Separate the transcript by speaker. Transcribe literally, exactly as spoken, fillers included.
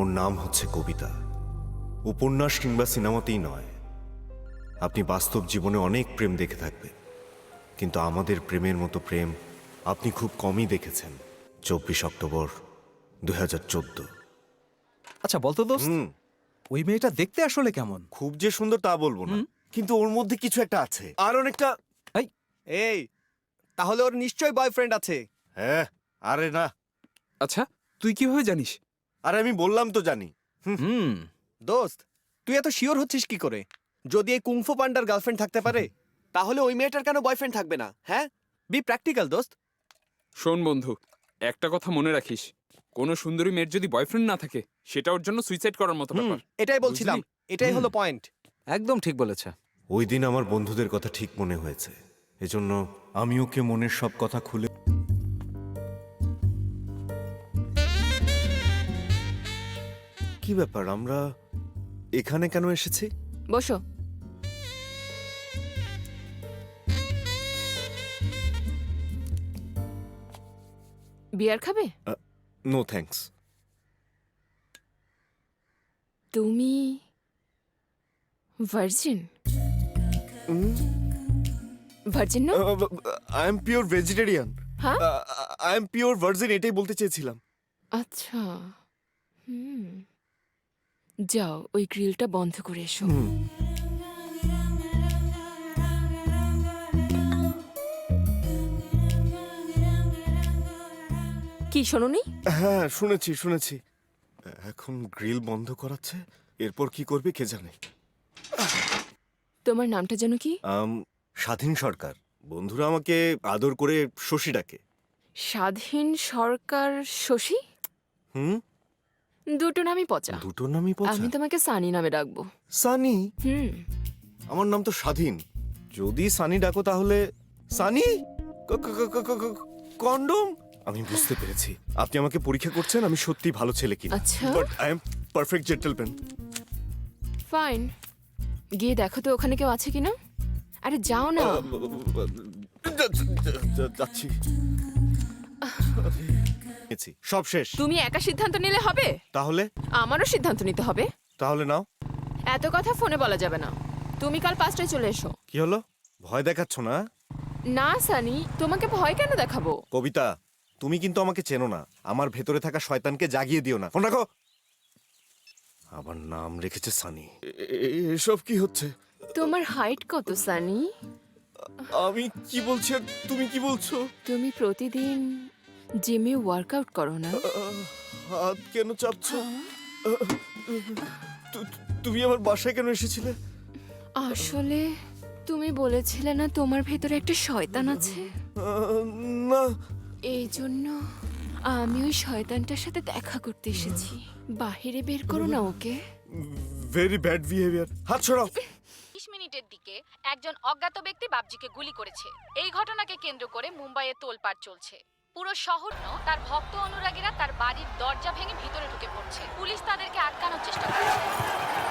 Speaker 1: ওর নাম হচ্ছে কবিতা। উপন্যাস কিংবা সিনেমাতেই নয়, আপনি বাস্তব জীবনে অনেক প্রেম দেখে থাকবেন, কিন্তু আমাদের প্রেমের মতো প্রেম আপনি খুব কমই দেখেছেন। চব্বিশ অক্টোবর দুই হাজার চোদ্দ।
Speaker 2: আচ্ছা বলতো দোস্ত, ওই মেয়েটা দেখতে আসলে কেমন?
Speaker 1: খুব যে সুন্দর তা বলবো না, কিন্তু ওর মধ্যে কিছু একটা আছে, আর অনেকটা।
Speaker 2: এই এই তাহলে ওর নিশ্চয়ই বয়ফ্রেন্ড আছে।
Speaker 1: হ্যাঁ, আরে না,
Speaker 3: আচ্ছা তুই কিভাবে জানিস?
Speaker 1: আরে আমি বললাম তো জানি।
Speaker 2: হুম দোস্ত, তুই এত শিওর হচ্ছিস কি করে? যদি এই কুংফু পান্ডার গার্লফ্রেন্ড থাকতে পারে, তাহলে ওই মেয়েটার কেন বয়ফ্রেন্ড থাকবে না? হ্যাঁ, বি প্র্যাকটিক্যাল দোস্ত।
Speaker 3: শোন বন্ধু, একটা কথা মনে রাখিস, কোনো সুন্দরী মেয়ের যদি বয়ফ্রেন্ড না থাকে সেটা ওর জন্য সুইসাইড করার মতো ব্যাপার।
Speaker 2: এটাই বলছিলাম,
Speaker 3: বুঝলি?
Speaker 2: এটাই হলো পয়েন্ট।
Speaker 4: একদম ঠিক বলেছে।
Speaker 1: ওই দিন আমার বন্ধুদের কথা ঠিক মনে হয়েছে, এজন্য আমি ওকে মনের সব কথা খুলে। কি ব্যাপার, আমরা এখানে কেন এসেছি?
Speaker 5: বসো। বিয়ার খাবে?
Speaker 1: No thanks.
Speaker 5: তুমি ভার্জিন? ভার্জিন না?
Speaker 1: I am pure vegetarian.
Speaker 5: হ্যাঁ?
Speaker 1: আই এম পিওর ভার্জিন, এটাই বলতে চেয়েছিলাম।
Speaker 5: আচ্ছা, হুম, যাও ওই গ্রিলটা বন্ধ করে এসো। কি শোনোনি?
Speaker 1: হ্যাঁ শুনেছি শুনেছি। এখন গ্রিল বন্ধ করাচ্ছে, এরপর কি করবে কে জানে।
Speaker 5: তোমার নামটা যেন কি?
Speaker 1: আম, স্বাধীন সরকার। বন্ধুরা আমাকে আদর করে শশী ডাকে।
Speaker 5: স্বাধীন সরকার শশী?
Speaker 1: হুম,
Speaker 5: দুটো নামই পচা।
Speaker 1: দুটো নামই পচা।
Speaker 5: আমি তোমাকে সানি নামে ডাকবো।
Speaker 1: সানি?
Speaker 5: হুম।
Speaker 1: আমার নাম তো স্বাধীন, যদি সানি ডাকো তাহলে সানি। কন্ডম। আমি বুঝতে পেরেছি, আপনি আমাকে পরীক্ষা করছেন আমি সত্যি ভালো ছেলে কিনা।
Speaker 5: আচ্ছা।
Speaker 1: But I am perfect gentleman.
Speaker 5: Fine, গিয়ে দেখো তো ওখানে কেউ আছে কিনা। আরে যাও না।
Speaker 1: যাচ্ছি। সব শেষ।
Speaker 5: তুমি একা সিদ্ধান্ত নিলে হবে?
Speaker 1: তাহলে
Speaker 5: আমারও সিদ্ধান্ত নিতে হবে।
Speaker 1: তাহলে নাও।
Speaker 5: এত কথা ফোনে বলা যাবে না। তুমি কাল পাঁচটায় চলে এসো।
Speaker 1: কি হলো, ভয় দেখাচ্ছ না?
Speaker 5: না সানি, তোমাকে ভয় কেন দেখাবো?
Speaker 1: কবিতা, তুমি কিন্তু আমাকে চেনো না, আমার ভেতরে থাকা শয়তানকে জাগিয়ে দিও না। ফোন রাখো। আমার নাম রেখেছে সানি। এসব কি হচ্ছে?
Speaker 5: তোমার হাইট কত সানি?
Speaker 1: আমি কি বলছি আর তুমি কি বলছো?
Speaker 5: তুমি প্রতিদিন জিমে ওয়ার্কআউট করো না?
Speaker 1: হাত কেন চাপছো? তু- তুমি আমার বাসায় কেন এসেছিলে?
Speaker 5: আসলে তুমি বলেছিলে না তোমার ভেতরে একটা শয়তান আছে?
Speaker 1: আহ, না।
Speaker 5: এই জন্য আমি ওই শয়তানটার সাথে দেখা করতে এসেছি। বাহিরে বের করো না ওকে।
Speaker 1: Very bad behaviour. হাত ছড়াও।
Speaker 6: বিশ মিনিটের দিকে একজন অজ্ঞাত ব্যক্তি বাবজিকে গুলি করেছে। এই ঘটনাকে কেন্দ্র করে মুম্বাইয়ে তোলপাড় চলছে। পুরো শহর ন তার ভক্ত অনুরাগীরা তার বাড়ির দরজা ভেঙে ভিতরে ঢুকে পড়ছে। পুলিশ তাদেরকে আটকানোর চেষ্টা করছে।